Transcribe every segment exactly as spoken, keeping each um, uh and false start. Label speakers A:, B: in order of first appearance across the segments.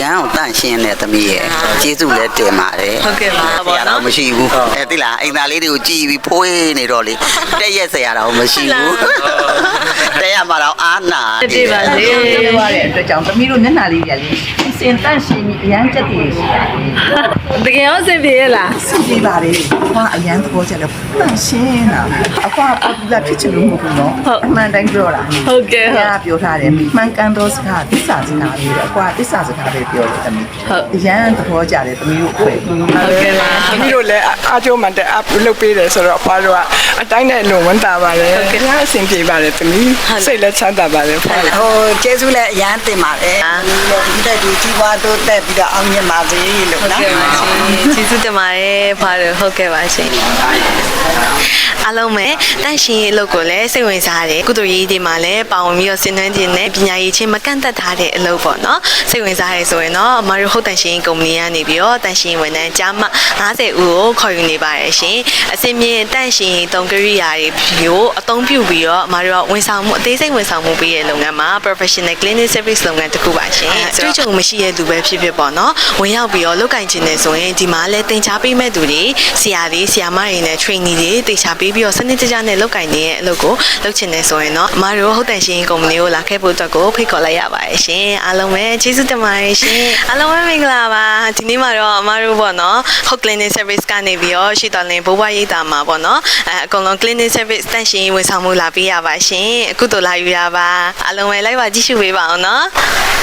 A: အောင်တန့်ရှင်းတဲ့သမီးရဲ့ကျေးဇူးလည်းတင်ပါတယ်
B: ဟုတ်ကဲ့ပါ
A: ဆရာတော်မရှိဘူးအဲသိလားအိမ်သားလေးတွေကိုကြည်ပြီးဖွေးနေတော့လေတက်ရက်ဆရာတော်မရှိဘူးတက်ရမှာတော့အာနာ
B: တိပါစေ
C: ပြောရတဲ့အတွက်ကြောင့်သမီးတို့မျက်နှာလေးကြီးလေးအစင်တန့်ရှင်းပြီးအရန်ချက်တည်ရှိရတယ်
B: တကယ်ရောအဆင်ပြေရလား
C: အဆင်ပြေပါလေအဖွားအရန်သဘောကျတယ်တန့်ရှင်းတာအဖွားပေါ်ပူလာဖြစ်ချင်လို့မဟုတ်ဘူးနော်အမှန်တိုင်းပြောတာ
B: ဟုတ်ကဲ့
C: ဟုတ်ကဲ့ပြောထားတယ်မှန်ကန်သောစကားသစ္စာစကားလေးအဖွားသစ္စာစကားပဲပြောတယ်သမီး
B: ဟုတ်
C: အရန်သဘောကျတယ်သမီးတို့အဖွဲ့
B: ဟုတ်ကဲ့ပါ
D: သမီးတို့လည်းအားကျိုးမှန်တဲ့အပ်လုပ်ပေးတယ်ဆိုတော့အဖွားတို့ကအတိုင်းနဲ့လုံဝန်တာပါတယ်ဟုတ်ကဲ့အဆင်ပြေပါတယ်သမီးစိတ်လည်းချမ်းသာပါတယ်ဖွား
C: ဟိုကျေးဇူးလည်းအရန်တင်ပါတယ်ဒီတက်ဒီကြီးပွားတိုးတက်ပြီးတော့အောင်မြင်ပါစေလို့နော်
B: ကျေးဇူးတင်ပါတယ်ဖွားတို့ဟုတ်ကဲ့ပါရှင်အားလုံးပဲတန့်ရှင်းရေးအလုပ်ကိုလည်းစိတ်ဝင်စားတယ်ကုသိုလ်ရေးတွေမှာလည်းပါဝင်ပြီးတော့ဆင်နွှဲခြင်းနဲ့ပညာရေးချင်းမကန့်သက်ထားတဲ့အလုပ်ပေါ့နော်စိတ်ဝင်စားရဲဆိုရင်တော့အမတို့ဟုတ်တန့်ရှင်းရေးကုမ္ပဏီကနေပြီးတော့တန့်ရှင်းဝန်ထမ်းကြားမှ၅၀ဦးကိုခေါ်ယူနေပါတယ်ရှင်အစင်မြင့်တန့်ရှင်းရေးတုံးကရိယာတွေကိုအသုံးပြုပြီးတော့အမတို့ဝန်ဆောင်မှုအသေးစိတ်ဝန်ဆောင်မှုပေးတဲ့လုပ်ငန်းမှာ professional clinic service လုပ်ငန်းတစ်ခုပါရှင်တွေ့ကြုံမရှိတဲ့သူပဲဖြစ်ဖြစ်ပေါ့နော်ဝင်ရောက်ပြီးတော့လုပ်ကင်ခြင်းနဲ့ဆိုရင်ဒီမှာလည်းတင်ချပေးမဲ့သူတွေဆရာတွေဆရာမတွေနဲ့ trainee တွေတင်ချပေးပြီးတော့စနစ်တကျနဲ့လုပ်ကင်နေတဲ့အလုပ်ကိုလုပ်ချင်နေဆိုရင်တော့အမတို့ဟုတ်တန်ရှင်ကုမ္ပဏီကိုလာခဲ့ဖို့အတွက်ကိုဖိတ်ခေါ်လိုက်ရပါတယ်ရှင်အားလုံးပဲကျေးဇူးတင်ပါတယ်ရှင်အားလုံးပဲမင်္ဂလာပါဒီနေ့မှာတော့အမတို့ပေါ့နော်ဟုတ် clinic service ကနေပြီးတော့ရှီတော်လင်ဘိုးဘွားရိပ်သာမှာပေါ့နော်အဲအကုန်လုံး clinic service တန်ရှင်ဝန်ဆောင်မှုလာပေးရပါရှင်အခုတို့လာယူရပါအားလုံးပဲလိုက်ပါကြည့်ရှုပေးပါအောင်နော်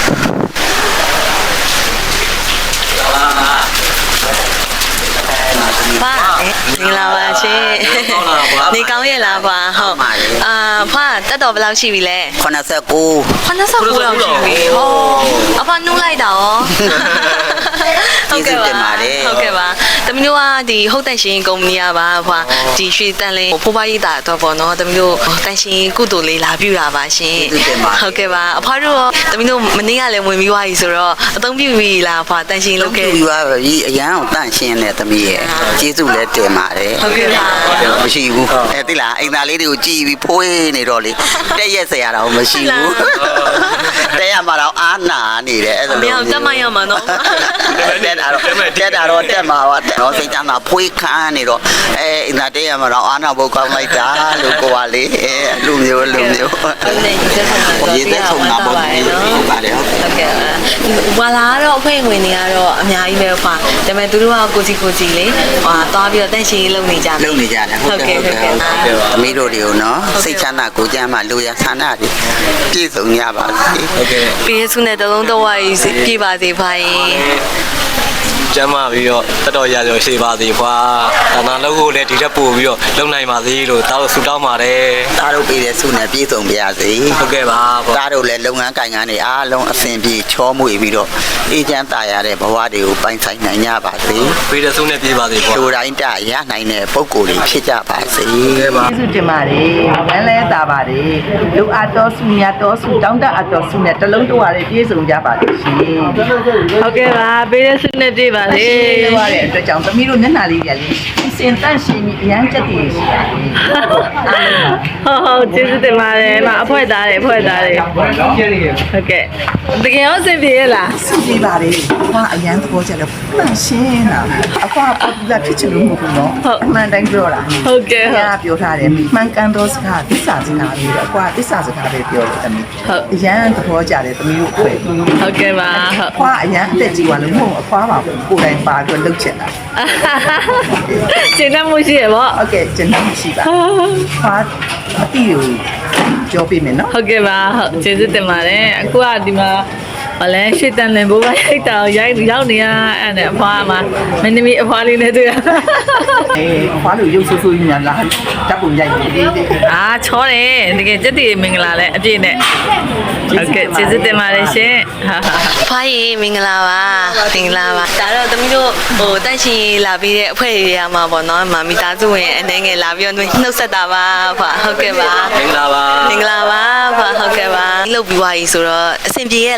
B: ပါမင်္ဂလာပါရှင်နေကောင်းရဲ့လားဖွာဟုတ်အာဖွာတက်တော်ဘယ်လောက်ရှိပြီလဲ
A: ခုနှစ်ဆယ့်ကိုး
B: ခုနှစ်ဆယ့်ကိုးလောက်ရှိပြီဟောအဖွာနှုတ်လိုက်တာရောဟုတ်ကဲ့ပါဟုတ်ကဲ့ပါတမီးတို့ကဒီဟုတ်တန်ရှင်ကုမ္ပဏီကပါဖွာဒီရွှေတန်လင်းဖိုးဖွားရိပ်သာတော့ပေါ့နော်တမီးတို့တန်ရှင်ကုသိုလ်လေးလာပြုတာပါရှင်ဟုတ်ကဲ့ပါအဖွာတို့တမီးတို့မနေ့ကလည်းဝင်ပြီးသွားပြီဆိုတော့အသုံးပြုပြီလားဖွာတန်ရှင်လုပ်ခဲ့
A: ပြီးသွားပြီအရန်အောင်တန့်ရှင်းတဲ့သမီးရဲ့ကျေးဇူးလည်းတင်ပါတယ်
B: ဟုတ်ကဲ့ပါ
A: မရှိဘူးအဲသိလားအိမ်သားလေးတွေကိုကြည်ပြီးဖွေးနေတော့လေတက်ရက်ဆရာတော်မရှိဘူးတက်ရမှာတော့အာနာနေတယ်အဲ့ဒါ
B: လို့မင်းတက်မရမှာနော်
A: တက်တာတော့တက်တာတော့တက်မှာပါတော့စိတ်ချမ်းသာဖွေးခမ်းနေတော့အဲအိမ်သားတက်ရမှာတော့အာနာဘုတ်ကောင်းလိုက်တာလို့ကိုပါလေအဲလူမျိုးလူမျိုး
B: ဒီသက်ဆုံးတာပေါ့ဟုတ်ပါတယ်ဟုတ်ကဲ့ဝါလာကတော့အဖွဲဝင်တွေကတော့အများကြီးပဲဖွာဒါပေမဲ့သူတို့ကကိုစီကိုစီလေးဟာသွားပြီးတော့တန့်ရှင်းလုပ်နေကြတယ်
A: လုပ်နေကြတယ်ဟုတ်ကဲ့ဟုတ်ကဲ့သမီးတို့တွေကိုနော်စိတ်ချမ်းသာကိုကြမ်းမှလူရဆန္ဒတွေပြည့်စုံကြပါစေ
B: ဟုတ်ကဲ့ပြည့်စုံတဲ့တလုံးတော့ဝါးကြီးပြည့်ပါစေဖိုင်
E: ကျမ်းမာပြီးတော့တတော်ရရရှိပါသေးဖွာဒါနာလုပ်ဖို့လည်းဒီထက်ပို့ပြီးတော့လုပ်နိုင်ပါသေးလို့တားလို့ဆူတောင်းပါတယ်
A: တားတို့ပြည်တဲ့ဆုနဲ့ပြည့်စုံပါစေ
E: ဟုတ်ကဲ့ပါ
A: တားတို့လည်းလုပ်ငန်းကိုင်ငန်းတွေအားလုံးအဆင်ပြေချောမွေပြီးတော့အေးချမ်းသာရတဲ့ဘဝတွေကိုပိုင်ဆိုင်နိုင်ကြပါစေ
E: ပြည်တဲ့ဆုနဲ့ပြည့်ပါသေးဖွာ
A: လူတိုင်းတရနိုင်တဲ့ပုံကိုယ်တွေဖြစ်ကြပါစေ
C: ဟုတ်ကဲ့ပါကျေးဇူးတင်ပါတယ်ဝမ်းလဲတာပါတယ်လူအပ်တော်ဆုမြတ်တော်ဆုတောင်းတအပ်တော်ဆုနဲ့တလုံးတော်ရပြည့်စုံကြပါစေရှင်
B: ဟုတ်ကဲ့ပါပြည်တဲ့ဆုနဲ့ပြည့်ပါစေ
C: ပြောရတဲ့အတွက်ကြောင့်သမီးတို့မျက်နှာလေးကြီးလေးအစင်တန့်ရှင်းပြီးအရန်ချက်တည်ရှိရတယ်
B: ဟုတ်ဟုတ်ကျေးဇူးတင်ပါတယ်မအဖွဲသားတယ်အဖွဲသားတယ်ဟုတ်ကဲ့တကယ်ရောအဆင်ပြေရလား
C: အဆင်ပြေပါလေအဖွားအရန်သဘောကျတယ်တန့်ရှင်းတာအဖွားပေါ်ပူလာဖြစ်ချင်လို့မဟုတ်ဘူးနော်အမှန်တိုင်းပြောတာ
B: ဟုတ်ကဲ့
C: ဟုတ်ပြောထားတယ်မှန်ကန်သောစကားသစ္စာစကားလေးအဖွားသစ္စာစကားပဲပြောတယ်သမီး
B: ဟုတ်
C: အရန်သဘောကျတယ်သမီးတို့အဖွဲ့
B: ဟုတ်ကဲ့ပါ
C: အဖွားအရန်အသက်ကြီးသွားလို့မဟုတ်အဖွားပါကိုယ်တိုင်ပါပြီးလုပ်ချင်တာ
B: ကျင်းတမှုရှိရပေါ့
C: ဟုတ်ကဲ့ကျင်းတမှုရှိပါဟာအတီးကိုကြောပေးမယ်နော်
B: ဟုတ်ကဲ့ပါဟုတ်ကျေးဇူးတင်ပါတယ်အခုကဒီမှာဘာလဲရှေ့တန်လင်ဘိုးဘရိုက်တာရိုက်ရောက်နေရအဲ့နဲ့အဖွားမှာမင်းသမီးအဖွားလေးနဲ့တွေ့ရ
C: အေးအဖွားလို့ရုပ်ဆူဆူညာလာတပ်ပုံရိုက်နေတယ်
B: အာချောတယ်တကယ်ကြက်တည်မင်္ဂလာလဲအပြည့်နဲ့ဟုတ်ကဲ့ကျေးဇူးတင်ပါတယ်ရှင်အဖွားကြီးမင်္ဂလာပါမင်္ဂလာပါဒါတော့သမီးတို့ဟိုတန့်ရှင်လာပြီးတဲ့အဖွဲ့တွေရမှာပေါ့နော်မမီသားစုဝင်အနေငယ်လာပြီးတော့နှုတ်ဆက်တာပါဖွာဟုတ်ကဲ့ပါ
E: မင်္ဂလာပါ
B: မင်္ဂလာပါဖွာဟုတ်ကဲ့ပါလှုပ်ပြီးွားကြီးဆိုတော့အဆင်ပြေရဲ့လားဖွာ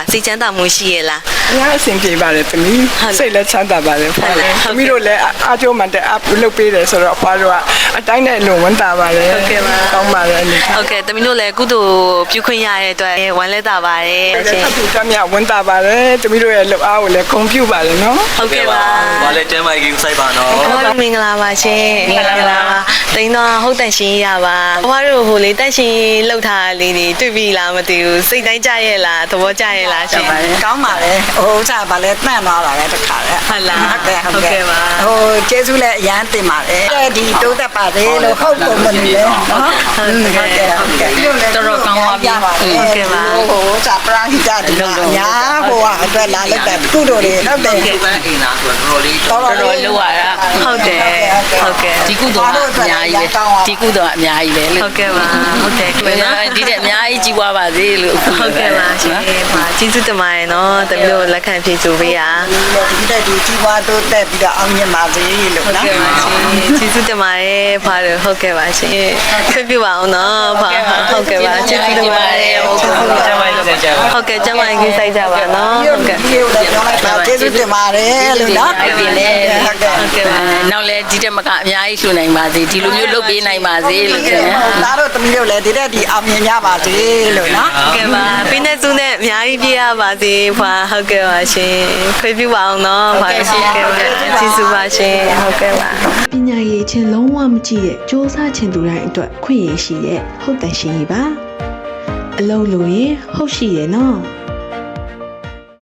B: စိတ်ချမ်းသာမှုရှိရဲ့လား
D: အများအဆင်ပြေပါတယ်သမီး
B: ဟုတ်
D: စိတ်လည်းချမ်းသာပါတယ်ဖွာလေ
B: ဟုတ်ကဲ့
D: သမီးတို့လည်းအားကျိုးမှန်တဲ့အလုပ်ပေးတယ်ဆိုတော့ဖွာတို့ကအတိုင်းနဲ့လုံဝန်တာပါတယ်
B: ဟုတ်ကဲ့ပါ
D: ကောင်းပါတယ်အနေနဲ့
B: ဟုတ်ကဲ့တမီးတို့လည်းကုသိုလ်ပြုခွင့်ရတဲ့အတွက်ဝမ်းလဲတာပါတယ်ရှင်
D: အတူတမ်းမြဝန်တာပါတယ်သမီးတို့ရဲ့လုပ်အားကိုလည်းဂုဏ်ပြုပါတယ်နော်
B: ဟုတ်ကဲ့ပါ
E: ဘာလဲတဲမိုက်ကြီးစိုက်ပါနော်
B: ဟုတ်မင်္ဂလာပါရှင်မင်္ဂလာပါတိန်တော့ဟုတ်တန်ရှင်ရပါဘွားတို့ဟိုလေတန်ရှင်လောက်ထားလေးတွေတွေ့ပြီလားမသိဘူးစိတ်တိုင်းကြရဲ့လားသဘောကျရဲ့လားရှင်
F: ကောင်းပါလေဟိုဥစ္စာဗာလဲတန့်သွားတာလေတခါလေ
B: ဟုတ်လား
F: ဟုတ်ကဲ့ဟုတ်
B: ဟုတ်ကဲ့
F: ကဲ့
B: ပါ
F: ဟိုကျေးဇူးလည်းအရန်တင်ပါတယ်ဒီတိုးတက်ပါသေးလို့ဟုတ်ကုန်မနေလေနော်ဟုတ်ကဲ့ဟုတ်ကဲ့တော်တော်ကောင်းပါပြီဟုတ်ကဲ့ပါဟိုဥစ္စာပရဟိတဒီမှာအညာဟိုဟာအတွက်လာလိုက်တာကုတို့တွေဟုတ်တယ်
A: ဒီပန်းအိမ်သာဆိုတော့တော်တော်လေး
F: တော်တော်လေး
G: လောက်ရတာ
B: ဟုတ်တယ်ဟုတ်ကဲ့
G: ဒီကုသိုလ်ကအများကြီးပဲဒီကုသိုလ်ကအများကြီးပဲလို့
B: ဟုတ်ကဲ့ပါဟုတ်တယ်
G: ဘယ်တော့ဒီတဲ့အများကြီးကြီးပွားပါစေလို့
B: ဟုတ်ကဲ့ပါရှင်ပါကျေးဇူးတင်ပါတယ်နော်တမီးတို့လက်ခံဖြည့်ဆိုပေးရ
F: ဒီတက်ဒီကြီးပွားတိုးတက်ပြီးတော့အောင်မြင်ပါစေလို့
B: ဟုတ်
F: နော်
B: ကဲ့ပါရှင်ကျေးဇူးတင်ပါတယ်ဖားတို့ဟုတ်ကဲ့ပါရှင်ခွင့်ပြုပါအောင်နော်ဖားဟုတ်ကဲ့ပါကျေးဇူးတင်ပါတယ်ဟုတ်ကဲ့
E: ကျမ်းမိုက်ကြီးကြပါ
B: ဟုတ်ကဲ့ကျမကြီးစိုက်ကြပါနော်ဟုတ်ကဲ့
F: ဒီလိုလည်းပြောလိုက်ပါကျေးဇူးတင်ပါတယ်လို့နော်
G: အဲ့ဒီလေ
F: ဟုတ်ကဲ့
B: ဟုတ်ကဲ့ပါ
G: နောက်လဲဒီတက်မကအများကြီးလှူနိုင်ပါစေဒီလိုမျိုးလုပ်ပေးနိုင်ပါစေလို့ကျန်
F: ဒါတို့သမီးတို့လည်းဒီတက်ဒီအောင်မြင်ကြပါစေလို့နော်
B: ဟုတ်ကဲ့ပါပြင်းတဲ့စုနဲ့အများကြီးပြရပါစေဖွာဟုတ်ကဲ့ပါရှင်ခွင့်ပြုပါအောင်နော်ဖွာဟုတ်ကဲ့ပါကျေးဇူးပါရှင်ဟုတ်ကဲ့ပါ
H: ပညာရေးချင်းလုံးဝမကြည့်ရဲ့စ조사ချင်သူတိုင်းအတွက်ခွင့်ရရှိရဲ့ဟုတ်တန်ရှင်ကြီးပါအလုံးလို့ရင်ဟုတ်ရှိရဲ့နော်